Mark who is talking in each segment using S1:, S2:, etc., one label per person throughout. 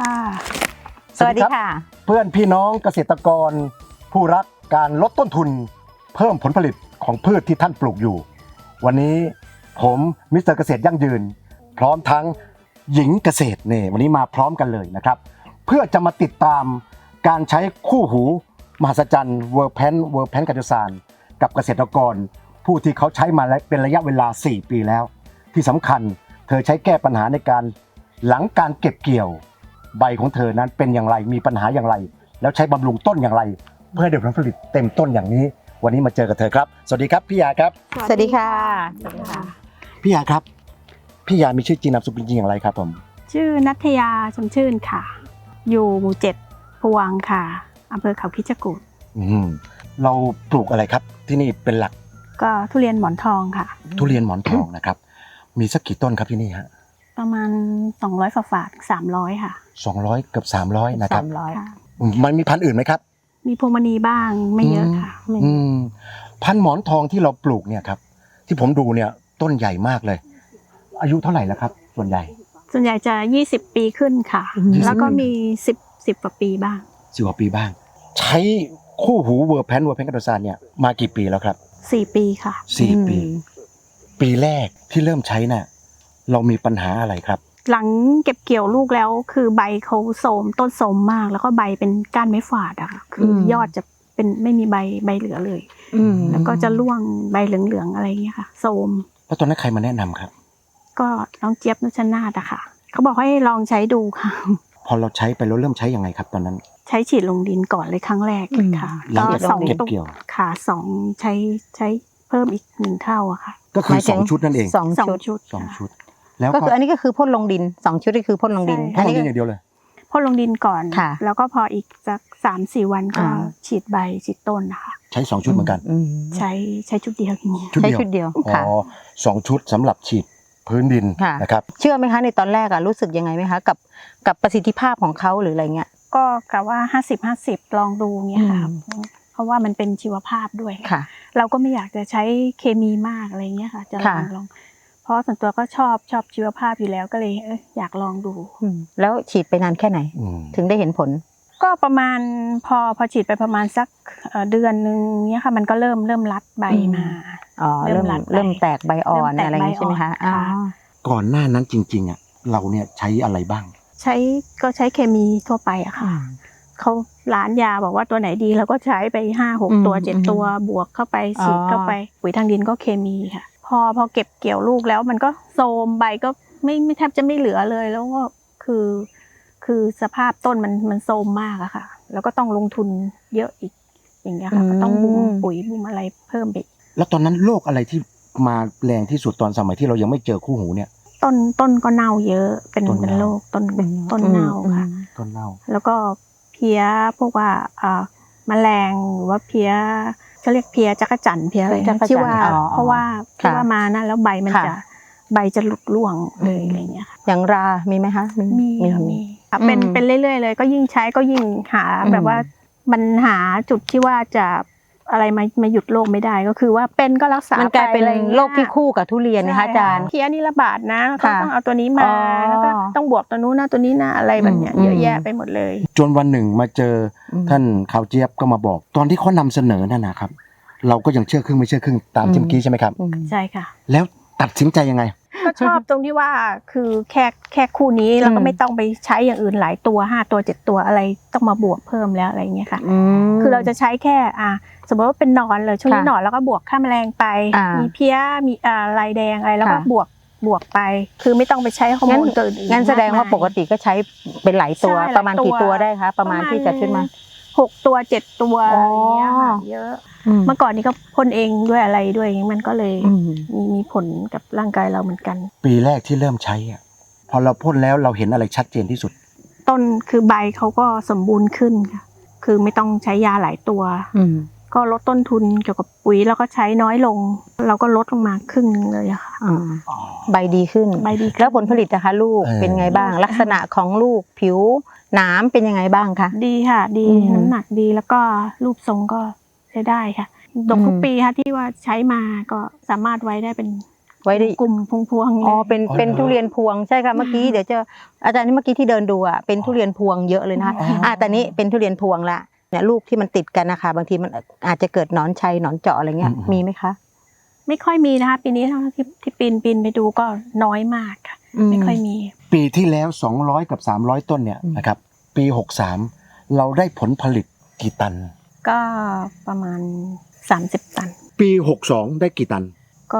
S1: สวัสดีค่ะ
S2: เพื่อนพี่น้องเกษตรกรผู้รักการลดต้นทุนเพิ่มผลผลิตของพืชที่ท่านปลูกอยู่วันนี้ผมมิสเตอร์เกษตรยั่งยืนพร้อมทั้งหญิงเกษตรเนี่ยวันนี้มาพร้อมกันเลยนะครับเพื่อจะมาติดตามการใช้คู่หูมหัศจรรย์เวอร์แพนกัจจสารกับเกษตรกรผู้ที่เขาใช้มาเป็นระยะเวลา4 ปีแล้วที่สำคัญเธอใช้แก้ปัญหาในการหลังการเก็บเกี่ยวใบของเธอนั้นเป็นอย่างไรมีปัญหาอย่างไรแล้วใช้บำรุงต้นอย่างไรเพื่อให้ได้ผลผลิตเต็มต้นอย่างนี้วันนี้มาเจอกับเธอครับสวัสดีครับพี่ยาครับ
S1: สวัสดีค่ะสวัสดีค่ะ
S2: พี่ยาครับพี่ยามีชื่อจริงนามสกุลจริงอย่างไรครับผม
S3: ชื่อณัฐยาชมชื่นค่ะอยู่หมู่7พวงค่ะอำเภอเขาคิชกูฏ
S2: เราปลูกอะไรครับที่นี่เป็นหลัก
S3: ก็ทุเรียนหมอนทองค่ะ
S2: ทุเรียนหมอนทองนะครับมีสักกี่ต้นครับที่นี่ฮะ
S3: ประมาณ200ฝา300ค่ะ
S2: 200เกือบ300นะครับ
S3: ค่ะ
S2: มันมีพันธุ์อื่นไหมครับ
S3: มีพวงมณีบ้างไม่เยอะค่ะ
S2: พันธุ์หมอนทองที่เราปลูกเนี่ยครับที่ผมดูเนี่ยต้นใหญ่มากเลยอายุเท่าไหร่แล้วครับส่วนใหญ่
S3: จะ20 ปีขึ้นค่ะแล้วก็มี10กว่าปีบ้าง
S2: 10 กว่าปีบ้างใช้คู่หูเวอร์แพนกัจจสารเนี่ยมากี่ปีแล้วครับ
S3: 4 ปีค่ะ
S2: 4 ปีปีแรกที่เริ่มใช้น่ะเรามีปัญหาอะไรครับ
S3: หลังเก็บเกี่ยวลูกแล้วคือใบเขาโทรมต้นโทรมมากแล้วก็ใบเป็นก้านไม้ฝาดอะค่ะคือยอดจะเป็นไม่มีใบเหลือเลยแล้วก็จะร่วงใบเหลืองๆอะไรอย่างเงี้ยค่ะโทรม
S2: แล้วตอนนั้นใครมาแนะนำครับ
S3: ก็น้องเจี๊ยบนุชนาธอะค่ะเขาบอกให้ลองใช้ดูค่ะ
S2: พอเราใช้ไปแล้วเริ่มใช้ยังไงครับตอนนั้น
S3: ใช้ฉีดลงดินก่อนเลยครั้งแรกค่ะ
S2: หลังจากเก็บเกี่ยว
S3: ค่ะ2ใช้เพิ่มอีก1 เท่าอะค่ะ
S2: ก็คือ2 ชุดนั่นเอง
S3: 2 ชุด
S1: แล้วก็คืออันนี้ก็คือพ่นลงดิน2 ชุดนี่คือพ่นลงดิน
S2: พ่นลงดินอย่างเดียวเลย
S3: พ่นลงดินก่อนแล้วก็พออีกสัก3-4 วันก็ฉีดใบฉีดต้นนะคะ
S2: ใช้2 ชุดเหมือนกัน
S3: ใช้ชุดเดียวอย่างนี้
S1: ใช้ชุดเดียว
S2: ค่ะ2 ชุดสำหรับฉีดพื้นดินนะครับ
S1: เชื่อไหมคะในตอนแรกรู้สึกยังไงไหมคะกับประสิทธิภาพของเขาหรืออะไรเงี้ย
S3: ก็กะว่า50-50ลองดูเงี้ยค่ะเพราะว่ามันเป็นชีวภาพด้วยเราก็ไม่อยากจะใช้เคมีมากอะไรเงี้ยค่ะจะลองเพราะส่วนตัวก็ชอบชีวภาพอยู่แล้วก็เลยอยากลองดู
S1: แล้วฉีดไปนานแค่ไหนถึงได้เห็นผล
S3: ก็ประมาณพอฉีดไปประมาณสักเดือนนึงเนี้ยค่ะมันก็เริ่มรัดใบมา
S1: เริ่มแตกใบอ่อนอะไรอย่างนี้ใช่ไหมคะ
S2: ก่อนหน้านั้นจริงๆอ่ะเราเนี่ยใช้อะไรบ้าง
S3: ใช้เคมีทั่วไปอะค่ะเขาร้านยาบอกว่าตัวไหนดีเราก็ใช้ไป5-6 ตัว7 ตัวบวกเข้าไปฉีดเข้าไปปุ๋ยทางดินก็เคมีค่ะพอเก็บเกี่ยวลูกแล้วมันก็โทรมใบก็ไม่แทบจะไม่เหลือเลยแล้วก็คือสภาพต้นมันโทรมมากอะค่ะแล้วก็ต้องลงทุนเยอะอีกอย่างเงี้ยค่ะก็ต้องบุ้มปุ๋ยบุ้มอะไรเพิ่มไป
S2: แล้วตอนนั้นโรคอะไรที่มาแรงที่สุดตอนสมัยที่เรายังไม่เจอคู่หูเนี่ย
S3: ต้นก็เน่าเยอะเป็นโรคต้นเน่าค่ะ
S2: ต้นเน่า
S3: แล้วก็เพี้ยพวกว่าแมลงหรือว่าเพี้ยเขาเรียกเพี้ยจักรจั่นเพี้ยอะไรที่ว่าเพราะว่ามานะแล้วใบจะหลุดร่วงเลยอะไรเงี้ยค่ะ
S1: อย่างรามีไหมคะ
S3: มีเป็นเรื่อยๆเลยก็ยิ่งใช้ก็ยิ่งหาแบบว่ามันหาจุดที่ว่าจะอะไรมาหยุดโรคไม่ได้ก็คือว่าเป็นก็รักษา
S1: มันกลายเป็นโรคที่คู่กับทุเรียนนะคะอาจารย์
S3: เพี้ยนี่ระบาดนะเขาต้องเอาตัวนี้มาแล้วก็ต้องบวกตัวนู้นนะตัวนี้นะอะไรแบบเนี้ยเยอะแยะไปหมดเลย
S2: จนวันหนึ่งมาเจอท่านข่าวเจี๊ยบก็มาบอกตอนที่เขานำเสนอนั่นนะครับเราก็ยังเชื่อครึ่งไม่เชื่อครึ่งตามที่เมื่อกี้ใช่ไหมครับ
S3: ใช่ค่ะ
S2: แล้วตัดสินใจยังไง
S3: ก็ชอบตรงที่ว่าคือแค่คู่นี้เราก็ไม่ต้องไปใช้อย่างอื่นหลายตัว5 ตัว7 ตัวอะไรต้องมาบวกเพิ่มแล้วอะไรเงี้ยค่ะคือเราจะใช้แค่สมมติว่าเป็นหนอนเลยช่วงนี้หนอนแล้วก็บวกฆ่าแมลงไปมีเพี้ยมีลายแดงอะไรแล้วก็บวกไปคือไม่ต้องไปใช้ฮอร์โมนตัวอื่น
S1: งั้นแสดงว่าปกติก็ใช้เป็นหลายตัวประมาณกี่ตัวได้คะประมาณที่จะขึ้นมา
S3: 6 ตัว7 ตัวอะไรเงี้ยค่ะเยอะเมื่อก่อนนี้ก็พ่นเองด้วยอะไรด้วยมันก็เลยมีผลกับร่างกายเราเหมือนกัน
S2: ปีแรกที่เริ่มใช้พอเราพ่นแล้วเราเห็นอะไรชัดเจนที่สุด
S3: ต้นคือใบเขาก็สมบูรณ์ขึ้นค่ะคือไม่ต้องใช้ยาหลายตัวก็ลดต้นทุนเกี่ยวกับปุ๋ยแล้วก็ใช้น้อยลงเราก็ลดลงมาครึ่งนึงเลยอะค่ะ
S1: ใบดีขึ้นแล้วผลผลิตนะคะลูกเป็นไงบ้างลักษณะของลูกผิวหนามเป็นยังไงบ้างคะ
S3: ดีค่ะดีน้ำหนักดีแล้วก็รูปทรงก็ใช้ได้ค่ะดกทุกปีค่ะที่ว่าใช้มาก็สามารถไว้ได้เป็น
S1: ไว้ได้
S3: กลุ่มพวงๆ
S1: อ๋อ
S3: เลย
S1: เป็นทุเรียนพวงใช่ค่ะเมื่อกี้เดี๋ยวจะอาจารย์ที่เมื่อกี้ที่เดินดูอ่ะเป็นทุเรียนพวงเยอะเลยนะคะแต่นี้เป็นทุเรียนพวงละเนี่ยลูกที่มันติดกันนะคะบางทีมันอาจจะเกิดหนอนชัยหนอนเจาะอะไรเงี้ยมีไหมคะ
S3: ไม่ค่อยมีนะคะปีนี้เท่าที่ปีนไปดูก็น้อยมากค่ะไม่ค่อยมี
S2: ปีที่แล้ว200กับ300ต้นเนี่ยนะครับปี63เราได้ผลผลิตกี่ตัน
S3: ก็ประมาณ30 ตัน
S2: ปี62ได้กี่ตัน
S3: ก็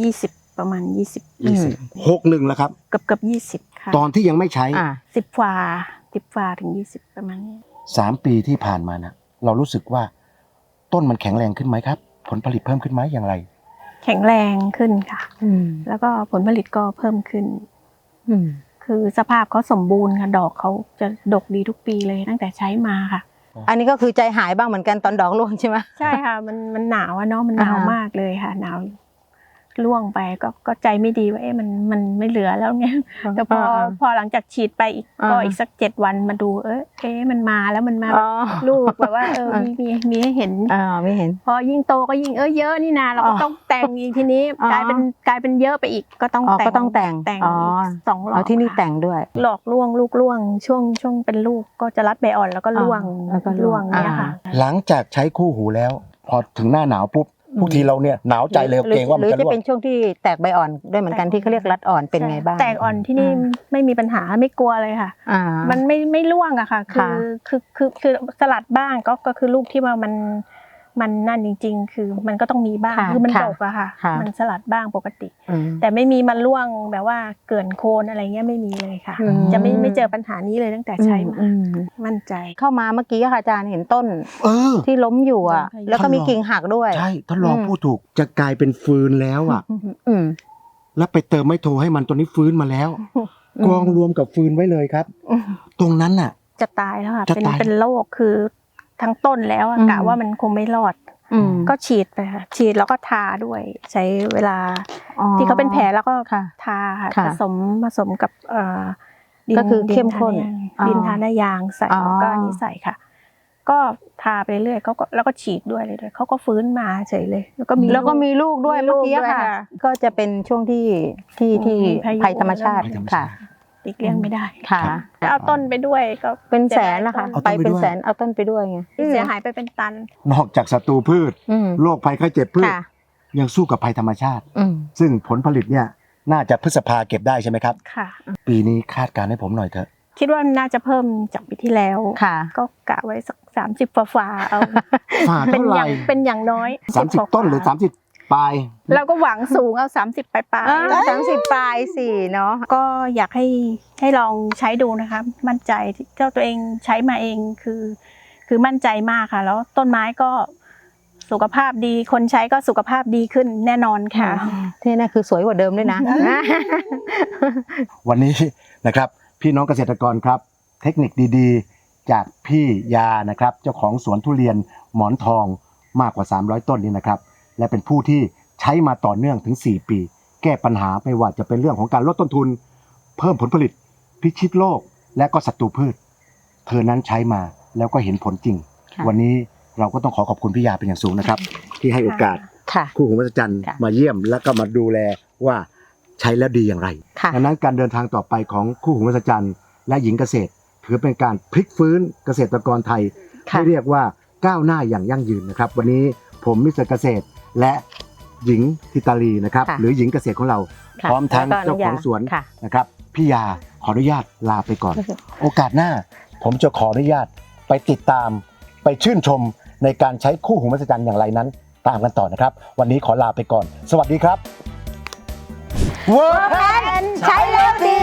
S3: 20ประมาณ20
S2: 61แล้วครับ
S3: เกือบ20ค่ะ
S2: ตอนที่ยังไม่ใช้
S3: 10ฝ่าถึง20ประมาณนี้
S2: 3 ปีที่ผ่านมานะเรารู้สึกว่าต้นมันแข็งแรงขึ้นไหมครับ ผลผลิตเพิ่มขึ้นไหมอย่างไร
S3: แข็งแรงขึ้นค่ะแล้วก็ผลผลิตก็เพิ่มขึ้นคือสภาพเขาสมบูรณ์ค่ะดอกเขาจะดกดีทุกปีเลยตั้งแต่ใช้มาค่ะ
S1: อันนี้ก็คือใจหายบ้างเหมือนกันตอนดอกร่วงใช่ไหม
S3: ใช่ค่ะมันหนาวอะเนาะมันหนาวมากเลยค่ะหนาวร่วงไปก็ใจไม่ดีว่ามันไม่เหลือแล้วไงแต่พอหลังจากฉีดไปอีกสัก7 วันมาดูมันมาแล้วมันมาลูกแบบว่ามีให้เห็น
S1: ไม่เห็น
S3: พอยิ่งโตก็ยิ่งเยอะนี่นาเราก็ต้องแต่งอีกทีนี้กลายเป็นเยอะไปอีกก็ต้องแต่งอีก2 รอบ
S1: ที่นี่แต่งด้วย
S3: หลอกล่วงลูกล่วงช่วงเป็นลูกก็จะรัดใบอ่อนแล้วก็ล่วงเนี่ยค่ะ
S2: หลังจากใช้คู่หูแล้ว พอถึงหน้าหนาวปุ๊บทุกทีเราเนี่ยหนาวใจเลยเกรงว่ามันจะร่วง
S1: หรือจะเป็นช่วงที่แตกใบอ่อนด้วยเหมือนกันที่เขาเรียกรัดอ่อนเป็นไงบ้าง
S3: แตกอ่อนที่นี่ไม่มีปัญหาไม่กลัวเลยค่ะมันไม่ร่วงอะค่ะคือสลัดบ้างก็คือลูกที่ว่ามันนั่นจริงๆคือมันก็ต้องมีบ้างคือมันดกอะค่ะมันสลัดบ้างปกติแต่ไม่มีมันร่วงแบบว่าเกินโคนอะไรเงี้ยไม่มีเลยค่ะจะไม่เจอปัญหานี้เลยตั้งแต่ใช้มามั่นใจ
S1: เข้ามาเมื่อกี้ค่ะอาจารย์เห็นต้นที่ล้มอยู่อะแล้วก็มีกิ่งหักด้วย
S2: ใช่ท่านรองพูดถูกจะกลายเป็นฟืนแล้วอะแล้วไปเติมไม้โทให้มันตัวนี้ฟื้นมาแล้วกองรวมกับฟืนไว้เลยครับตรงนั้นน่ะ
S3: จะตายแล้วค่ะเป็นโรคคือทั้งต้นแล้วกะว่ามันคงไม่รอดก็ฉีดไปค่ะฉีดแล้วก็ทาด้วยใช้เวลาที่เขาเป็นแผลแล้วก็ทาค่ะผสมกับดิน
S1: ก็คือเข้มข้น
S3: ดินทาหน้ายางใส่แล้วก็อันนี้ใส่ค่ะก็ทาไปเรื่อยเขาก็แล้วก็ฉีดด้วยเลยเขาก็ฟื้นมาเฉยเลยแล้วก็
S1: มีลูกด้วยเมื่อกี้ค่ะก็จะเป็นช่วงที่ภัยธรรมชาติค่ะ
S3: ติดเลี่ยงไม่ได้
S1: ค่ะ
S3: เอาต้นไปด้วยก็
S1: เป็นแสนนะคะไปเป็นแสนเอาต้นไปด้วยไง
S3: เสียหายไปเป็นตัน
S2: นอกจากศัตรูพืชโรคภัยไข้เจ็บพืชยังสู้กับภัยธรรมชาติซึ่งผลผลิตเนี่ยน่าจะพฤษภาเก็บได้ใช่ไหมครับ
S3: ค่ะ
S2: ปีนี้คาดการณ์ให้ผมหน่อยเถอะ
S3: คิดว่าน่าจะเพิ่มจากปีที่แล้วก็กะไว้สัก30ฝ่าเอาเป็นอย่างน้อย
S2: 30ต้นหรือ30ปลาย
S3: เราก็หวังสูงเอา30ปลาย
S1: 30ปลายสิเนาะ
S3: ก็อยากให้ลองใช้ดูนะคะมั่นใจเจ้าตัวเองใช้มาเองคือมั่นใจมากค่ะแล้วต้นไม้ก็สุขภาพดีคนใช้ก็สุขภาพดีขึ้นแน่นอนค่ะ
S1: ที่นั่นคือสวยกว่าเดิมด้วยนะ
S2: วันนี้นะครับพี่น้องเกษตรกรครับเทคนิคดีๆจากพี่ยานะครับเจ้าของสวนทุเรียนหมอนทองมากกว่า300ต้นนี้นะครับและเป็นผู้ที่ใช้มาต่อเนื่องถึง4ปีแก้ปัญหาไม่ว่าจะเป็นเรื่องของการลดต้นทุนเพิ่มผลผลิตพิชิตโรคและก็ศัตรูพืชเธอนั้นใช้มาแล้วก็เห็นผลจริงวันนี้เราก็ต้องขอบคุณพี่ยาเป็นอย่างสูงนะครับที่ให้โอกาสคู่หูมหัศจรรย์มาเยี่ยมแล้วก็มาดูแลว่าใช้แล้วดีอย่างไรดังนั้นการเดินทางต่อไปของคู่หูมหัศจรรย์และหญิงเกษตรถือเป็นการพลิกฟื้นเกษตรกรไทยให้เรียกว่าก้าวหน้าอย่างยั่งยืนนะครับวันนี้ผมมิสเตอร์เกษตรและหญิงธิตาลีนะครับหรือหญิงเกษตรของเราพร้อมทั้งเจ้าของสวนนะครับพี่ยาขออนุญาตลาไปก่อนโอกาสหน้าผมจะขออนุญาตไปติดตามไปชื่นชมในการใช้คู่หูมหัศจรรย์อย่างไรนั้นตามกันต่อนะครับวันนี้ขอลาไปก่อนสวัสดีครับ
S1: เวิร์คแพนใช้แล้วดี